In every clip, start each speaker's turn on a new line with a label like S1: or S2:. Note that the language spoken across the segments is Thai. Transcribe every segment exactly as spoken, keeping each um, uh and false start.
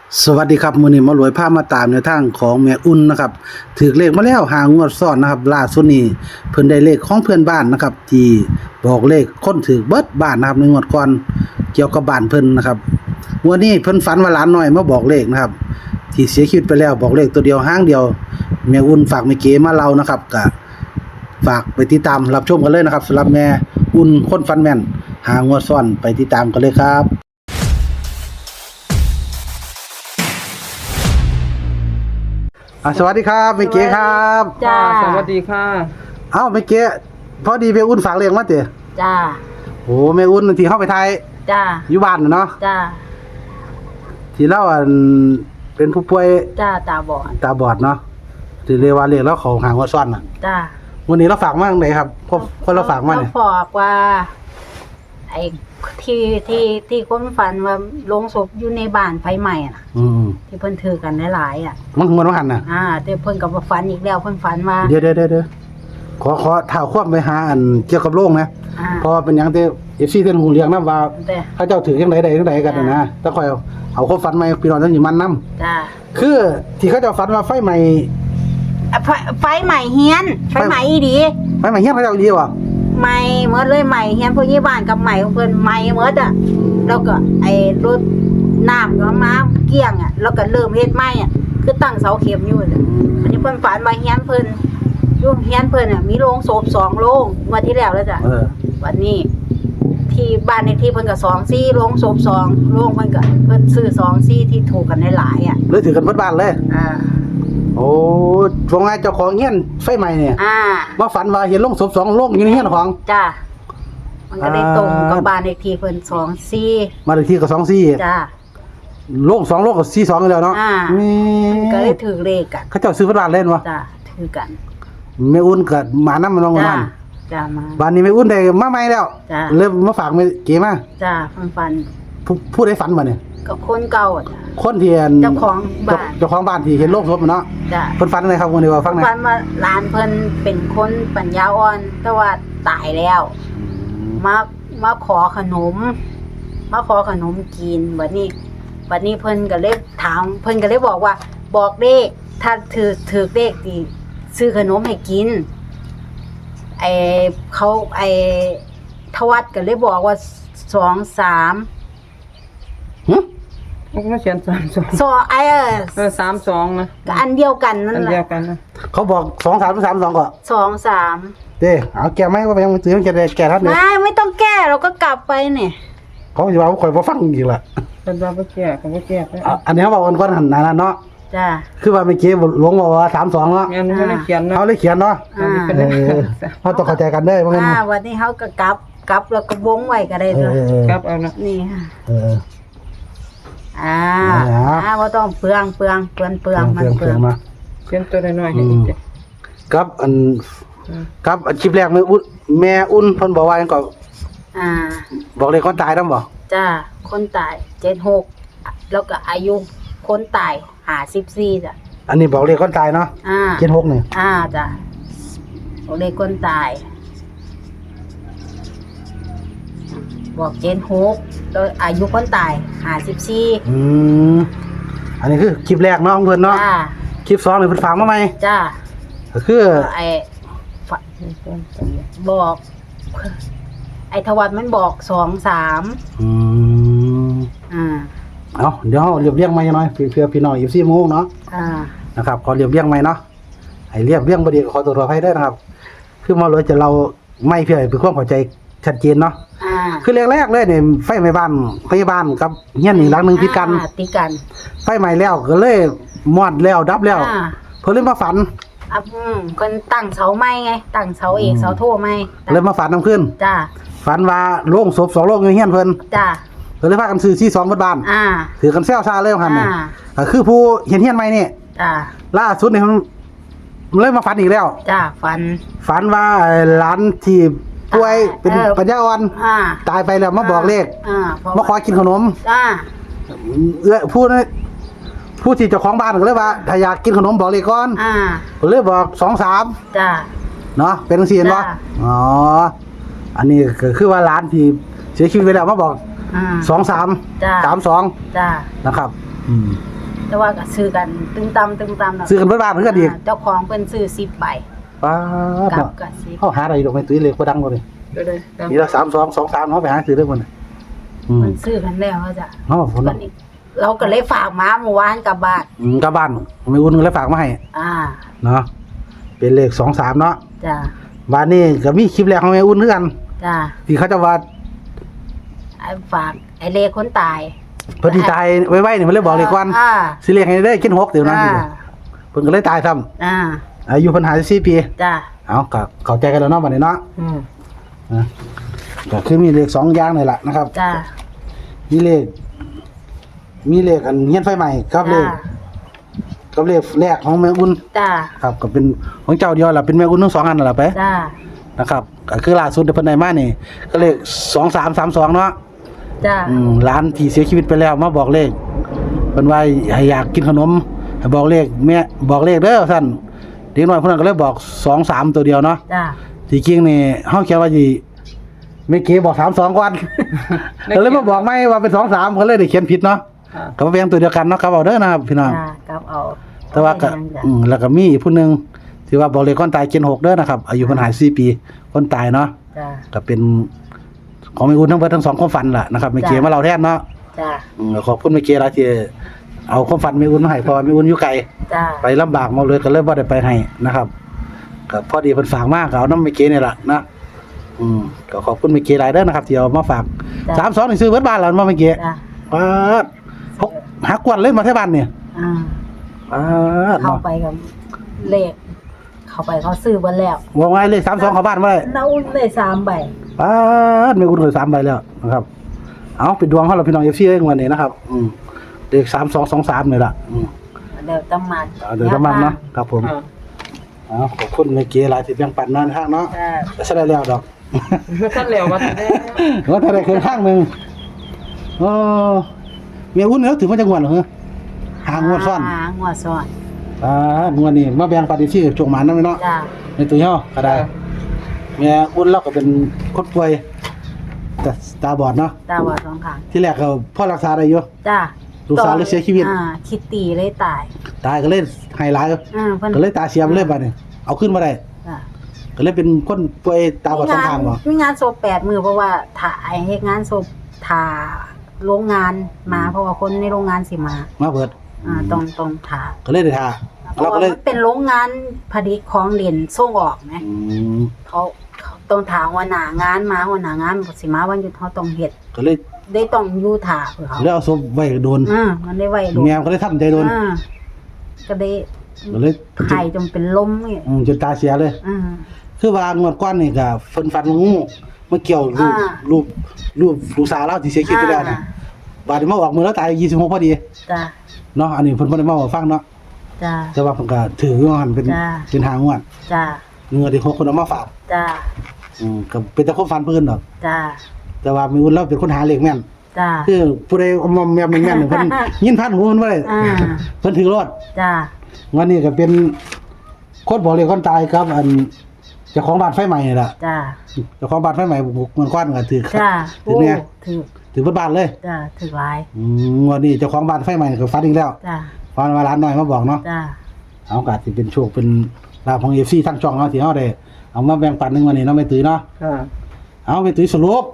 S1: สวัสดีครับมื้อนี้หมารวยพามาตามแนวทางของแม่อุ่นนะครับถือเลขมาแล้วหางวดซ้อนนะครับล่าสุดนี้เพิ่นได้เลขของเพื่อนบ้านนะครับที่บอกเลขคนถือเบิดบ้านนะครับในงวดก่อนเกี่ยวกับบ้านเพิ่นนะครับงวดนี้เพิ่นฝันว่าหลานน้อยมาบอกเลขนะครับที่เสียชีวิตไปแล้วบอกเลขตัวเดียวหางเดียวแม่อุ่นฝากแม่เก๋มาเล่านะครับก็ฝากไปติดตามรับชมกันเลยนะครับสำหรับแม่อุ่นคนฝันแม่นหางวดซ้อนไปติดตามกันเลยครับอ่ะสวัสดีครับเมเก๋ครับ
S2: จ้า
S3: สวัสดีค่ะ
S1: เอ้าเมเก๋พอดีแม่อุ่นฝากเลี้ยงมาเต๋อ
S2: จ้า
S1: โอ้แม่อุ่นที่เฮาไปไทย
S2: จ้า
S1: อยู่บ้านน่ะเนาะ
S2: จ้า
S1: ที่เราอันเป็นผู้ป่วย
S2: จ้าตาบอด
S1: ตาบอดเนาะที่เรียกว่าเรียกแล้วเขาหางว่าซ่อนน่ะ
S2: จ้า
S1: วันนี้เราฝากมาจังไดครับพวกคนเราฝากมาเนี่ย
S2: เขบอกว่าไอ้ที่ที่ที่คนฝันว่าโรงศพอยู่ในบ้านไฟไหม้น่ะ
S1: อืม
S2: ที่เพิ่นถือกันหลายๆอ่ะ
S1: มันมันว่าหันน่ะ
S2: อ่าแต่เพิ่นก็บ่ฝันอีกแล้วเพิ่นฝันว่า
S1: เดี๋ยวๆๆๆขอขอถ่าวความไปหาอันเกี่ยวกับโรคนะ
S2: อ่า
S1: เพราะว่าเป็นหยังที่ เอฟ ซี เพิ่นฮู้เรื่องนำว่า
S2: แต่
S1: เขาเจ้าถือจังไดได้จังไดกันน่ะนะแต่ค่อยเอาเอาความฝันมาให้พี่น้องทั้งสิมันนำ
S2: จ้า
S1: คือที่เขาเจ้าฝันว่าไฟไหม้
S2: อ่ะไฟไฟไหม้เฮียนไฟไหม้อีดี
S1: ไฟไหม้เฮียนเขาเจ้าดีบ่
S2: ไหม้หมดเลยไหม้เฮียนผู้ใหญ่บ้านกับไหม้ของเพิ่นไหม้หมดอ่ะแล้วก็ไอ้รถน้ำก็มาเกลี้ยงอ่ะแล้วก็เริ่มเฮ็ดไหม้อ่ะคือตั้งเสาเข็มอยู่น่ะ อันนี้เพิ่นฝันว่าเฮียนเพิ่นอยู่เฮียนเพิ่นน่ะมีโรงศพสองโรงงวันที่แล้วแล้วจ้ะ
S1: เออ
S2: วันนี้ ที่บ้านในที่เพิ่นก็สองซี่โรงศพสองโรงเพิ่นก็เพิ่นซื้อสองซี่ที่ถูกกันหลายๆอ่ะ
S1: เลยถือกันเบิดบ้านเลย
S2: อ่า
S1: โอ้ช่วงไงเจ้าของเฮียนไฟไหม้เนี่ย
S2: อ่า
S1: มาฝันว่าเห็นโรงศพสองโรงอยู่ในเฮียนของ
S2: จ้ะมันก็ได้
S1: อ่า
S2: ตรงกับบ้านในที่เพิ่นสองซี่
S1: มาเลขที่ก็สองสี่
S2: จ้ะ
S1: โรงสองโรงก็สี่สองอยู่แล้วเนาะ
S2: อ่า
S1: แม่
S2: มันก็ได้ถือเลขกัน
S1: เขาเจ้าซื้อเบิดบ้านเล่นวะ
S2: จ้ะถือกัน
S1: แม่อุ่นก็หมานํมันลง
S2: จ้ะ
S1: มัน
S2: จ้ะมา
S1: บ้านนี้แม่อุ่นได้มาใหม่แล้ว
S2: จ้ะ
S1: เลยมาฝากแม่เก๋มา
S2: จ้ะเพิ่นฝัน
S1: ผู้ผู้ใดฝันบ่เนี่ย
S2: กับคนเก่าอะจ้ะ
S1: คนที่อัน
S2: เจ้าของบ้าน
S1: เจ้าของบ้านที่เห็นโรงศพเนาะ
S2: จ้ะ
S1: เพิ่นฝันอะไรครับวันนี้ว่าฟังหน่อย
S2: ฝันว่าหลานเพิ่นเป็นคนปัญญาอ่อน แต่ว่าตายแล้ว มามาขอขนม มาขอขนมกินบัดนี้บัดนี้เพิ่นก็เลยถามเพิ่นก็เลยบอกว่า บอกเลขถ้าถือถือเลขดีซื้อขนมให้กินไอเขาไอทวัดก็เลยบอกว่าสองสาม
S1: หึ
S3: มันก็เขียนสามสอง
S2: สองไอเออ
S3: เออสามสองนะ
S2: ก็อันเดียวกันนั่
S3: อั
S2: น
S3: น
S2: แห
S3: เดียว
S2: ละ
S3: กันนะ
S1: เขาบอกสองสามสามสองก็
S2: สองสาม
S1: เด้เอาแก้ไหมว่าไปยังซื้อแก้ได้แก้ทันเนี่ย
S2: ไม่ไม่ต้องแก้เราก็กลับไปเนี่ย
S1: เขาสิว่าข่อยบ่ฟังอีกล่ะ
S3: เป็นว่าบ่แก่ก็บ่แก่ไป
S1: อ่ะอันนี้เขาบอกกันก่อนหันหน้าเนาะ
S2: จ้า
S1: คือว่าเมื่อกี้หลวงบอกว่าสามสองเนาะ
S3: แม่นบ่ได้เขียนนะ
S1: เขาเลยเขียนเนาะ
S2: อ่า
S3: เป็น
S1: เอ
S3: เลข
S1: อเขาต้องเข้าใจกันเด้อเพราะงั้น
S2: อ่าวันนี้เขาก็กลับกลับแล้วก็วงไว้ก็ได้
S1: เอ
S2: ตัว
S1: อเออ
S3: ครับเอานะ
S2: นี่ค่ะ
S1: เออ
S2: อ่า
S1: เอาละ
S2: อ่าว่าต้องเปลืองเปลืองเปลืองเปลืองมัน
S1: เพื่อน
S2: เปลื
S1: เพื่
S2: อ
S1: อง นมา
S3: เขียนตัวน้อยๆให้
S1: อื
S3: อี
S1: ม
S3: กเด้อ
S1: ครับอัน
S3: อืม
S1: ครับอันคลิปแรกแม่อุ่นแม่อุ่นเพิ่นบอกว่าหยังก็
S2: อ่า
S1: บอกเลยคนตายนำบ่
S2: จ้าคนตายเจ็ดหกแล้วก็อายุคนตายหาสิบสี่จ้ะ
S1: อันนี้บอกเลยคนตายเนาะ
S2: อ่า
S1: เจ็ดหกนี่
S2: อ่าจ้ะบอกเลยคนตาย บอกเจ็ดหกแล้วอายุคนตายหาสิบสี่
S1: อืมอันนี้คือคลิปแรกเนาะของเพิ่นเนาะ
S2: จ้า
S1: คลิปสองนี่เพิ่นฝากมาใหม่
S2: จ้า
S1: ก็คือ
S2: ไอ้ฝบอก ไอ้ทวัดมันบอกสองสาม
S1: อืม
S2: อ่า
S1: เอาเดี๋ยวเราเรียบเรียงใหม่หน่อยเพื่อเพื่อพี่น้องอีฟซีโมงเนาะ
S2: อ่า
S1: นะครับขอเรียบเรียงใหม่เนาะให้เรียบเรียงบ่ดีก็ขอตัวขออภัยด้วยนะครับ คือมาเลยจะเราไม่เพื่อให้เป็นความเข้าใจชัดเจนเนาะ
S2: อ่า
S1: คือแรกๆเลยเนี่ยไฟไหม้บ้านพยาบาลกับเฮียนนี่หลังหนึงติดกัน
S2: อ่าติดกัน
S1: ไฟไหม้แล้วก็เลยมอดแล้วดับแล้ว
S2: อ่า
S1: เพิ่นเลยมาฝัน
S2: อ่ะอืมคนตั้งเสาไม้ไง ตั้งเสาเอกเสาโทไม้ตั้ง
S1: เลยมาฝันนํขึ้น
S2: จ้า
S1: ฝันว่าโรงศพสองโรงอยู่เฮียนเพิ่น
S2: จ้า
S1: เพิ่นเลยพากันซื้อที่สองเบิดบ้าน
S2: อ่า
S1: ถือกันแซวซาเลยว่าหั่นน่ะ
S2: อ่า
S1: ก็คือผู้เห็นเฮียนใหม่นี่
S2: จ้า
S1: ล่าสุดนี่มันเลยมาฝันอีกแล้ว
S2: จ้าฟัน
S1: ฝันว่าหลานที่ป่วยเป็น
S2: เออ
S1: ปัญญาอ่อน
S2: อ่า
S1: ตายไปแล้วมาบอกเลข
S2: อ่าเพระ
S1: มาขอกินขนม
S2: จ้า
S1: เอื้อผู้นั้นผู้ที่เจ้าของบ้านก็เลยว่าถ้าอยากกินขนมบอกเลขก่อน
S2: อ่า
S1: ก็เลยบอกสองสาม
S2: จ้า
S1: เนาะเป็นจังซี่เห็นบ่
S2: จ้ะ
S1: อ๋ออันนี้ก็คือว่าหลานที่เสียชีวิตไปแล้วมาบอก
S2: อ่า
S1: สองสาม
S2: จ้ะ
S1: สามสอง
S2: จ้า
S1: นะครับ อืม
S2: แต่ว่าก็ซื้อกันตึงตำตึงตำน่ะ
S1: ซื้อกันเบิดบ้านเพิ่นก็ดี
S2: าเจ้าของเพิ่นซื้อสิบใบ
S1: ป้าด
S2: กับ
S1: เนาะ
S2: กับสิบ
S1: เฮาหาได้ดอกแม่ตุ้ยเลขบ่ดังบ่นี่
S3: เดี๋ยวเลยตาม
S1: มีละสามสอง สองสามเฮาไปหาซื้อเด้อบ่นี่อืม
S2: มันซื้อกันแล้วว่าจ้ะ
S1: เฮาพุ่น
S2: วัน
S1: เนาะ
S2: นี้เราก็เลยฝากม้าเมื่อวานกลับบ้าน
S1: อืมกลับบ้านแม่อุ่นก็เลยฝากมาให้
S2: อ่า
S1: เนาะเป็นเลขสองสามเนาะ
S2: จ้ะ
S1: บ้านนี้ก็มีคลิปแรกของแม่อุ่นคือกัน
S2: จ้ะ
S1: ที่เขาจะว่า
S2: ไอ้ฝากไอ้เลคนตาย
S1: เพิ่นที่ตายไว้ๆนี่เพิ่นเลยบอกเลขก่อน
S2: อ่า
S1: สิเลขให้ได้กินหกเดี๋ยวนั้น
S2: อ่า
S1: เพิ่นก็เลยตายซ้ำ
S2: อ่า
S1: อายุเพิ่นห้าสิบสี่ปี
S2: จ้ะ
S1: เอาก็เข้าใจกันแล้วเนาะบัดนี้เนาะ
S3: อืม
S1: นะก็คือมีเลขสองอย่างนี่แหละนะครับ
S2: จ้ะ
S1: มีเลข มีเลขอันเฮียนไฟใหม่กับเลข
S2: จ้ะ
S1: กับเลขแรกของแม่อุ่น
S2: จ้ะ
S1: ครับก็เป็นของเจ้าเดียวล่ะเป็นแม่อุ่นทั้งสองอันนั่นล่ะไป
S2: จ้ะ
S1: นะครับก็คือล่าสุดที่เพิ่นได้มานี่ก็เลขสองสามสามสองเนาะ
S2: จ้ะ
S1: อืมหลานที่เสียชีวิตไปแล้วมาบอกเลขเพิ่นว่าให้อยากกินขนมให้บอกเลขแม่บอกเลขเด้อท่านเด็กน้อยเพิ่นนก็เลยบอกสองสามตัวเดียวเนาะ
S2: จ้ะ
S1: ที่จริงนี่เฮาแค่ว่าสิแม่เก๋บอกสามสองก่อน ก็เลยมาบอกไม่ว่าเป็นสองสามเพิ่นเลยได้เขียนผิดเนาะ
S3: ค่ะ
S1: ก็บ่เป็นตัวเดียวกันเนาะครับเอาเด้อนะครับพี่น้อง
S2: จ้ะกลับเอา
S1: แต่ว่าก็
S2: เอไปยังจ้ะ
S1: อืมแล้วก็มีอีกผู้หนึงที่ว่าบอกเลขคนตายเจ็ดหกเด้อนะครับอายุเพิ่นห้าสิบสี่ปีคนตายเนาะ
S2: จ้ะ
S1: ก็เป็นของแม่อุ่นทั้งเบิดทั้งสองความฝันล่ะนะครับแม่เก๋มาเล่าแทนเนาะ
S2: จ้ะ
S1: อืมขอบคุณแม่เก๋หลายที่เอาความฝันแม่อุ่นมาให้เพราะว่าแม่อุ่นอยู่ไกล
S2: จ้ะ
S1: ไปลำบากมาเลยก็เลยบ่ได้ไปให้นะครับก็พอดีเพิ่นฝากมาก็เอานำแม่เก๋นี่ล่ะนะอืมก็ขอบคุณแม่เก๋หลายเด้อนะครับที่เอามาฝาก
S2: จ้ะ
S1: สามสองนี่ซื้อเบิดบ้านแล้วมาแม่เก๋
S2: จ้ะ
S1: ปาดพกหากวนเลยมาที่บ้านเนี่ย
S2: อ่า
S1: ปาด
S2: เข้า
S1: เนาะ
S2: ไปกับเลข เข้าไปเขาซื้อเบนแล้ว
S1: ว่าไงเลขสามสองเข้าบ้านบ่ได้
S2: เราได้สามใบ
S1: ปาดแม่อุ่นเคยสามใบแล้วนะครับเอาเป็นดวงเฮาล่ะพี่น้อง เอฟ ซี เองวันนี้นะครับอืมเลขสามสองสองสามนี่ล่ะอืม
S2: เดี๋ยวตำมัน
S1: เอาเดี๋ยวจะมันเนาะครับผม
S3: อ่า
S1: เอาขอบคุณแม่เก๋หลายที่แบ่งปันเนาะทางเนาะ
S2: จ้ะ
S1: แต่ซะได้แล้วดอก
S3: ท่านเหลวมาแต่
S1: ว่าถ้าได้เคยข้างหนึ่งเออเมียอุ่นเนาะถึงมาจังหวัดเหรอฮะหางวดซ่อน
S2: หางวดซ้อน
S1: อ่างวดนี้มาแบ่งปฏิที่จงหมานนำเนาะ
S2: จ้ะ
S1: ในตัวเฮาก็ได้เมียอุ่นเราก็เป็นคนป่วยแต่ตาบอดเนาะ
S2: ตาบอดสองข้าง
S1: ที่แรกก็พ่อรักษาได้อยู่
S2: จ้ะ
S1: ลูกสาวเลยเสียชีวิต
S2: อ่าคิดตีเลยตาย
S1: ตายก็เลยไฮไลท์
S2: อ่าเพิ่น
S1: ก็เลยตาเสียไปเลยบัดนี้เอาขึ้นมาได้
S2: จ้ะ
S1: ก็เลยเป็นคนป่วยตาบอดสองข้างบ่
S2: มีงานศพแปดมือเพราะว่าถ่ายเฮ็ดงานศพถ่าโรงงานมาเพราะว่าคนในโรงงานสิมา
S1: มาเบิด
S2: อ่าต้องต้องถ่า
S1: ก็เลยได้ทา
S2: เพราะ
S1: เราก็
S2: ว่า
S1: เลย
S2: มันเป็นโรงงานผลิตของเหรียญส่งออกไหม
S1: อืม
S2: เขาเขาต้องถามว่าหนางานมาว่าหนางานบ่สิมาวันหยุดเขาต้องเฮ็ด
S1: ก็เลย
S2: ได้ต้องอยู่ถ่าเพื่อเขา
S1: แล้วเอาศพไว้โดน
S2: อ่ามันได้ไว้ดู
S1: แมวก็เลยทำใจโดน
S2: อ่าก็ได้
S1: ก็เลย
S2: ไข่จนเป็นลมนี่
S1: อืมจนตาเสียเลย
S2: อ่า
S1: คือว่างวดก้อนนี่ก็เพิ่นฟันงูมาเกี่ยวรูป
S2: อ่า
S1: รูปรูปลูกสาวเราที่เสียชีวิตไปแล้วนะบาดนี้มาออกมือแล้วตายยี่สิบหกพอดี
S2: จ้า
S1: เนาะอันนี้เพิ่นบ่ได้มาบอกฟังเนาะ
S2: จ้า
S1: แต่ว่าเพิ่นก็ถือว่าหันเป็น
S2: จ้า
S1: เป็นหางวด
S2: จ้า
S1: เงินที่หกคนเอามาฝาก
S2: จ้า
S1: อืมก็เป็นแต่คนฟันเพิ่นดอก
S2: จ้า
S1: แต่ว่ามีอุ่นเราเป็นคนหาเลขแม่น
S2: จ้า
S1: คือผู้ใดเอามาแม่นแม่นๆเพิ่นยินพันหูเพิ่นบ่ได้
S2: อ่า
S1: เพิ่นถือรอด
S2: จ้า
S1: วันนี้ก็เป็นคนบอกเลขคนตายครับ อันเจ้าของบ้านไฟใหม่นี่ล่ะ
S2: จ้า
S1: เจ้าของบ้านไฟใหม่บุกเงินก้อนก็ถือ
S2: จ้า
S1: ถือเนี่ย
S2: ถือ
S1: ถือเบิดบ้านเลย
S2: จ้าถือหลาย
S1: อืมวันนี้เจ้าของบ้านไฟใหม่ก็ฟันอีกแล้ว
S2: จ้า
S1: ฟันมาร้านหน่อยมาบอกเนาะ
S2: จ้า
S1: เอาโอกาสสิเป็นโชคเป็นลาภของ เอฟ ซี ทั้งช่องเนาะที่เฮาได้เอามาแบ่งปันหนึงวันนี้เนาะแม่ตุ้ยเนาะ
S3: ค่ะ
S1: เอาแม่ตุ้ยสรุป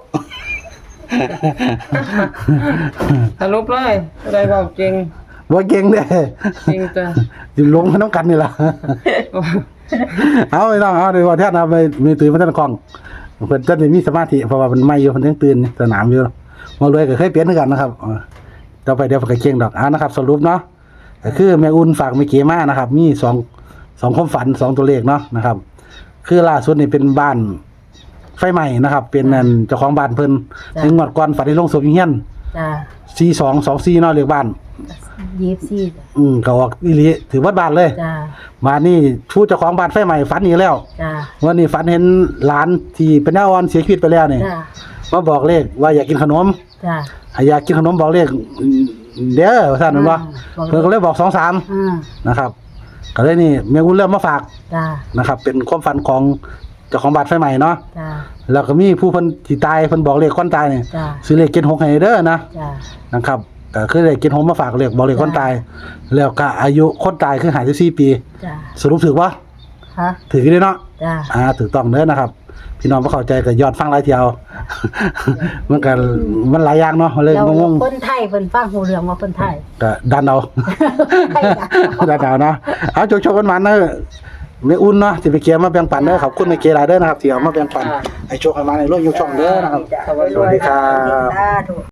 S3: สรุปเลยอะไรเบาจริง
S1: บ่เก่งเด้
S3: จริงจ้ะ
S1: สิลงมาน้ำกันนี่ล่ะ เอาไปน้องเอาเดี๋ยวว่าแท้นะไปแม่ตุ้ยมาท่านกล้องเพิ่นจะได้มีสมาธิเพราะว่ามันไม่อยู่เพิ่นยังตื่นสนามอยู่มารวยก็เคยเปลี่ยนคือกันนะครับเออต่อไปเดี๋ยวเพิ่นก็เก่งดอกเอานะครับ สรุปเนาะก็คือแม่อุ่นฝากแม่เก๋มานะครับ มีสองสองความฝันสองตัวเลขเนาะนะครับ คือล่าสุดนี่เป็นบ้านไฟใหม่นะครับ เป็นนั่นเจ้าของบ้านเพิ่นในงวดก่อนฝันในโรงศพอยู่เฮียน
S2: จ้า
S1: สี่สองสองสี่เนาะเลขบ้าน
S2: ยี่สิบสี่
S1: อืมก็ออกอีหลีถือว่าบ้านเลย
S2: จ้า
S1: มานี่ผู้เจ้าของบ้านไฟใหม่ฝันอีกแล้ว
S2: จ้า
S1: วันนี้ฝันเห็นหลานที่เป็นน้าอ่อนเสียชีวิตไปแล้วนี่
S2: จ้า
S1: มาบอกเลขว่าอยากกินขนม
S2: จ้า
S1: ให้อยากกินขนมบอกเลขเด้อว่าซั่นแม่นบ่
S2: อ่า
S1: เพิ่นก็เลยบอกสองสาม
S2: อ่า
S1: นะครับก็เลยนี่แม่วุ้นเริ่มมาฝาก
S2: จ้า
S1: นะครับ เป็นความฝันของเจ้าของบ้านไฟใหม่เนาะ
S2: จ้า
S1: แล้วก็มีผู้เพิ่นที่ตายเพิ่นบอกเลขคนตายนี่
S2: จ้า
S1: ซื้อเลขเจ็ดหกให้เด้อนะ
S2: จ้า
S1: นะครับก็คือได้กินหอมมาฝากเรียกบอกเรียกคนตาย แล้วก็อายุคนตายคือห้าสิบสี่ปี
S2: จ้ะ
S1: สรุปถูกบ่
S2: ฮะ
S1: ถูกอยู่เด้เนาะ
S2: จ้ะ
S1: อ่าถูกต้องเด้อนะครับ พี่น้องบ่เข้าใจก็ย้อนฟังหลายเที่ยว มันก็มันหลายอย่างเนาะเลย
S2: แล้ว
S1: งง
S2: คนไทยเพิ่นฟังหูเรื่องว่าคนไทย
S1: ๆก็ดันเอา
S2: ไทยจ้ะ
S1: ดันเอาเนาะเอาโชคๆกันมาเด้อแม่อุ่นเนาะสิไปเคลียร์มาแบ่งปันเด้อขอบคุณแม่เกหลายเด้อนะครับที่เอามาแบ่งปันให้โชคให้มาในโลกยกช่องเด้อนะครับ สวัสดีครับ
S2: สาธุ